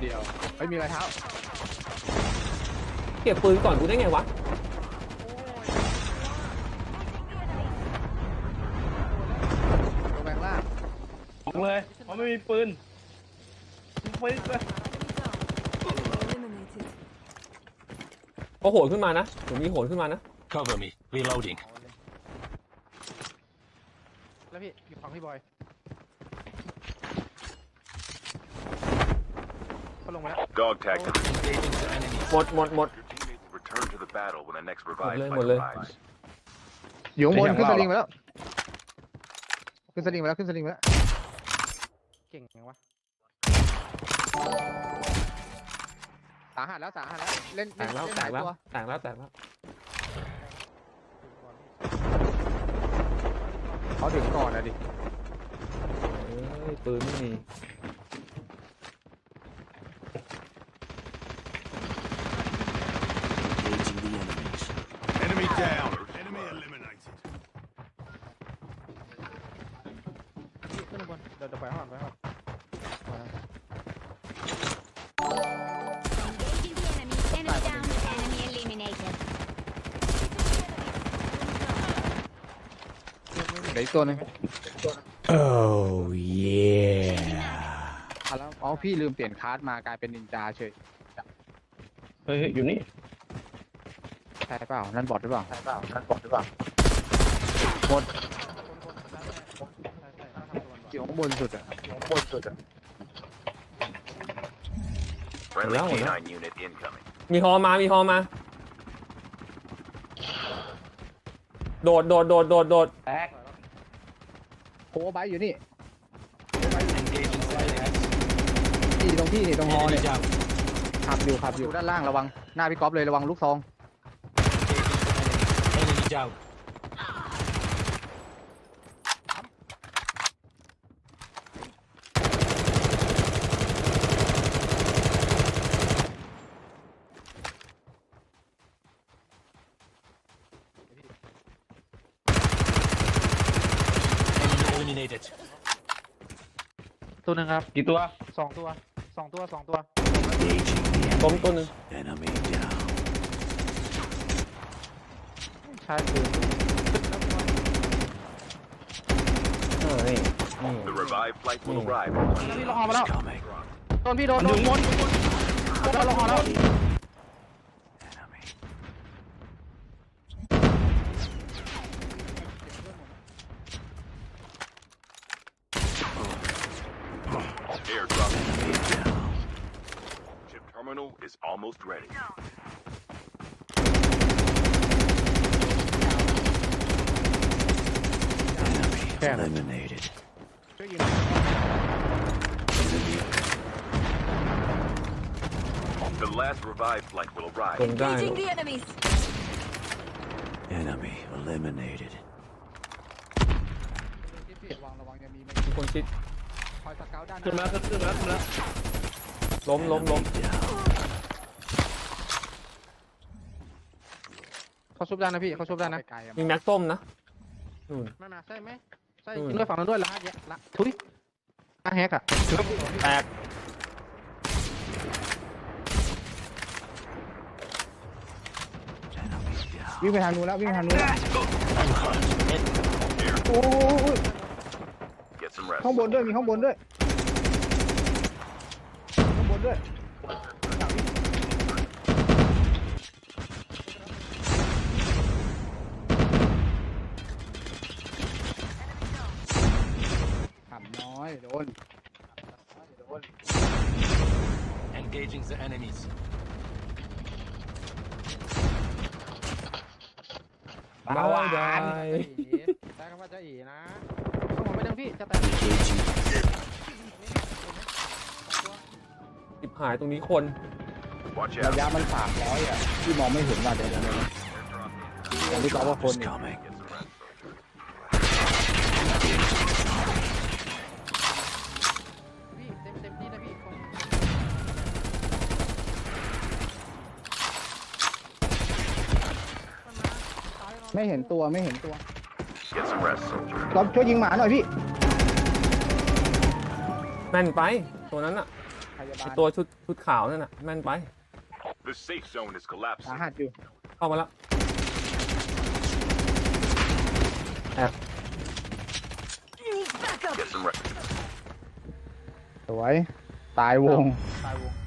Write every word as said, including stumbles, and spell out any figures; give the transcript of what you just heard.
ดียวไม่มีรอยเท้าเก็บปืนก่อนกูได้ไงวะตัวแบงล่างบอกเลยเพราะไม่มีปืนปืนเลยเขาโหนขึ้นมานะผมมีโหนขึ้นมานะ Cover me. Reloading. แล้วพี่อยู่ฝั่งพี่บอยเขาลงมาแล้ว Dog tactics. หมดหมดหมด Your teammates will return to the battle when the next หมด revive เลยหม flight ดเลย arrives. อยู่ข้างบนขึ้นสลิงไปแล้วขึ้นสลิงไปแล้วขึ้นสลิงไปแล้วเก่งยังวะสาหัสแล้วสาหัสแล้วเล่นแตกแล้วเล่นแตหาก ยแล้วตัวแตกแล้วแตกแล้วเขาถึงก่อนนะดิเอ้ยปืนไม่มี Engaging the enemies. Enemy down. Enemy eliminated. พี่ขึ้นข้างบนเดี๋ยวเดี๋ยวไปข้างหลังไปข้างหลัง Engaging the enemy. Enemy down. Enemy eliminated. เดี๋ยวอีกตัวหนึง Oh yeah. อ่ะแล้วอ๋อพี่ลืมเปลี่ยนคลาสมากลายเป็นนินจาเฉยเฮ้ยอยู่นี่ใช่เปล่านั่นบอทหรือเปล่าใช่เปล่านั่นบอทหรือเปล่าหมดอยู่ข้างบนสุดอ่ะข้างบนสุดอ่ะ Friendly Hello, K hello. nine unit incoming. มีฮอมามีฮอมาโดดโดดโดดโดดโดดแตกโคไบอยู่นี่ Engaging the enemies. ที่ตรงที่นี่ตรงฮอ Enemy เนี่ย down. ขับอยู่ขับอยู่ด้านล่างระวังหน้าพี่ก๊อฟเลยระวังลูกซอง Enemy down. Enemy eliminated. ตัวหนึ่งครับกี่ตัวสองตัวสองตัวสองตัว Engaging the ล้มตัวหนึง enemy down. ใช่คือเออนี่นี่ The revive flight will Hmm. arrive. พี่ลงฮอมาแล้ว Coming. โดนพี่โดนโดนโดนโดนลงฮอแล้ว Enemy. Airdrop. Enemy down. Chip terminal is almost ready. Enemy Damn it. eliminated. ช่วยยิง The last revive flight will ล arrive. งได้ Engaging the enemies. Enemy eliminated. พี่ระวังระวังยังมีมีคนชิดคอยสเกาต์ด้านหขึ้นมาน้าแล้วขึ้นมาแล้วขึ้นมาแล้วล้มล้มล้ม Enemy down. เขาชุบด้านนะพี่เขาชุบด้านนะมีแม็กส้มนะนู่นไม่มาใช่ไหมใช่อืมยิงด้วยฝั่งนั้นด้วยละแยะละทุยละแฮกอ่ะแตก Enemy down. วิ่งไปทางนู้นแล้ววิ่งไปทางนู้นแล้ว Air. โอ้ย Get some rest. ข้างบนด้วยมีข้างบนด้วยข้างบนด้วยขำน้อยโดนโดน Engaging the enemies. บายบายใช้คำว่าจะอีนะข้างบนไม่ดังพี่จะแตก Engaging. สิบหายตรงนี้คน Watch ระ out. ยะมันสามร้อยอ่ะที่มองไม่เห็นว่าเดี๋ยวเดี๋ยวเดี๋ยวอย่างที่บอกว่าคน Is เนี่ย coming. Get some rest, soldier. พี่เต็มเต็มที่นะพี่ ไม่เห็นตัวไม่เห็นตัว Get some rest, soldier. เราช่วยยิงหมาหน่อยพี่แม่นไปตัวนั้นอะพยาไอ้บาลตัวชุดชุดขาวนั่นน่ะแม่นไป The safe zone is สา collapsing. หัสอยู่เข้ามาแล้ว Get some rest. สวย ตายวง ตายวง